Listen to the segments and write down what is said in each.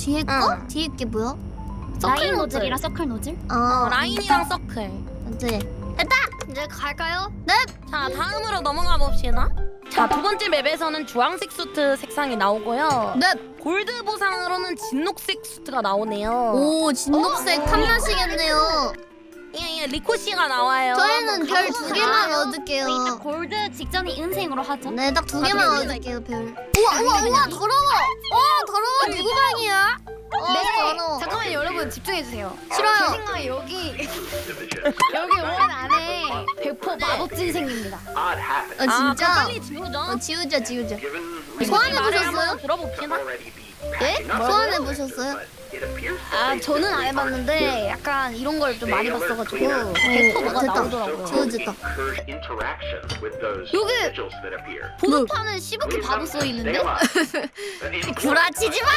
뒤에 거? 응. 뒤에 게 뭐야? 라인 노즐이랑 서클 노즐? 라인이랑 서클. 이제 됐다! 이제 갈까요? 네. 자, 다음으로 넘어가 봅시다. 자, 두 번째 맵에서는 주황색 수트 색상이 나오고요. 네. 골드 보상으로는 진녹색 수트가 나오네요. 오 진녹색 탐나시겠네요. 예, 리코 씨가 나와요. 저희는 별 가보자. 2개만 얻을게요. 일단 골드 직전이 은생으로 하죠. 네, 딱 2개만 아, 얻을게요, 별. 우와, 더러워. 더러워. 누구 방이야? 더러워. 잠깐만 여러분 집중해주세요. 싫어요. 제 생각에 여기 원 안에 100% 마법진 생깁니다. 아, 그럼 진짜? 빨리 지우죠. 지우자. 우리 소환해 말을 보셨어요? 한번 들어봅시다. 예? 소환해 보셨어요? 아 저는 안 해봤는데 약간 이런 걸 좀 많이 봤어가지고 100% 뭐가 됐다. 나오더라고요. 지워졌다. 여기 보급판은 시부키 바보 써 있는데? 구라치지 마!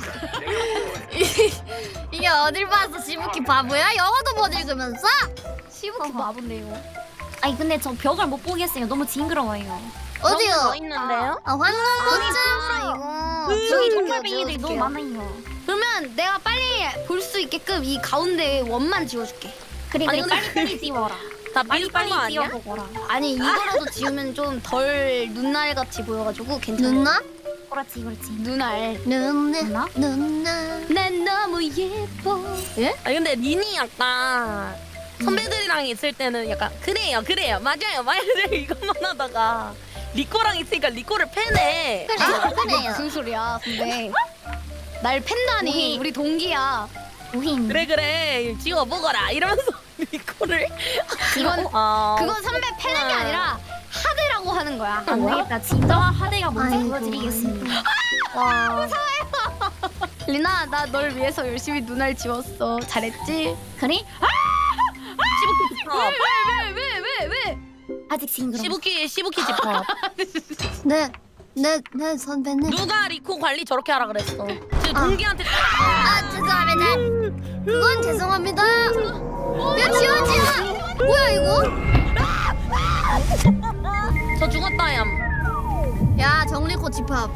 이게 어딜 봐서 시부키 바보야? 영어도 못 읽으면서? 시부키 바본데요. 아니 근데 저 벽을 못 보겠어요. 너무 징그러워요. 어디요? 더 있는데요? 아, 황금꽃장 이거. 저기 정글뱅이들이 너무 많아요. 그러면 내가 빨리 볼 수 있게끔 이 가운데 원만 지워줄게. 그래 아니, 근데 빨리 지워라. 다 빨리 빨리 거 아니야? 지워보거라. 아니 이거라도 지우면 좀 덜 눈알 같이 보여가지고 괜찮아. 누나? 그렇지. 눈알. 누나? 난 너무 예뻐. 아니 근데 린이 약간 선배들이랑 있을 때는 약간 그래요 맞아요 이것만 하다가 리코랑 있으니까 리코를 패네. 그래요. 무슨 소리야 선배. 날 팬다니. 우리- 우리 동기야. 우힘. 그래 지워보거라 이러면서 리코를 이건 그건 선배 패는 게 아. 아니라 하드라고 하는 거야. 안 되겠다. 진짜 하대가 뭔지 아이고. 보여드리겠습니다. 와. 리나 나 널 위해서 열심히 눈알 지웠어. 잘했지? 그래? 시부키 집합 왜? 아직 징그러. 시부키 집합. 네, 선배님. 누가 리코 관리 저렇게 하라 그랬어. 지금 아. 동기한테 아, 죄송합니다. 그건 죄송합니다. 야, 지워지야. 뭐야, 이거? 저 죽었다 얌. 야, 정리코 집합.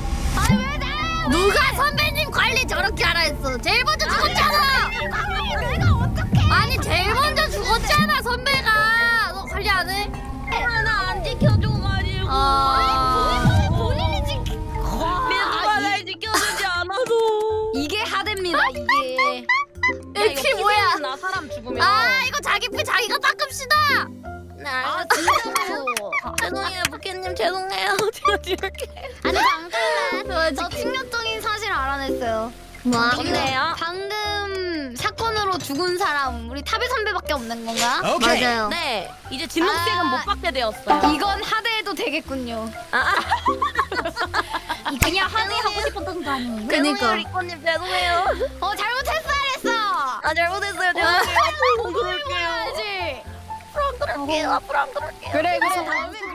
누가 선배님 관리 저렇게 하라 했어? 제일 먼저 죽었잖아. 내가 어떡해? 아니, 제일 먼저 죽었잖아, 선배가. 너 관리 안 해? 하나 안 지켜줘가지고. 본인이 지금 누가 날 지켜주지 않아도. 이게 하드입니다 이게. 이게 뭐야? 나 사람 죽으면. 아, 이거 자기 피 자기가 닦읍시다. 아 진짜로. 죄송해요 부캐님 죄송해요. 제가 지울게. 아니 방금 저 충격적인 사실을 알아냈어요. 뭐? 좋네요. 방금 사건으로 죽은 사람 우리 타비 선배밖에 없는 건가? 맞아요. 네 이제 진녹색은 아. 못 받게 되었어요. 이건 하드해도 되겠군요. 그냥 하대하고 싶었던 거 아니에요? 그니까. 죄송해요 리코님 죄송해요. 잘못했어 그랬어. 아 잘못했어요 죄송해요. 앞으로 안 그럴게요. 알지? 앞으로 안 그럴게요. 앞으로 안 그럴게요. 그래 다음엔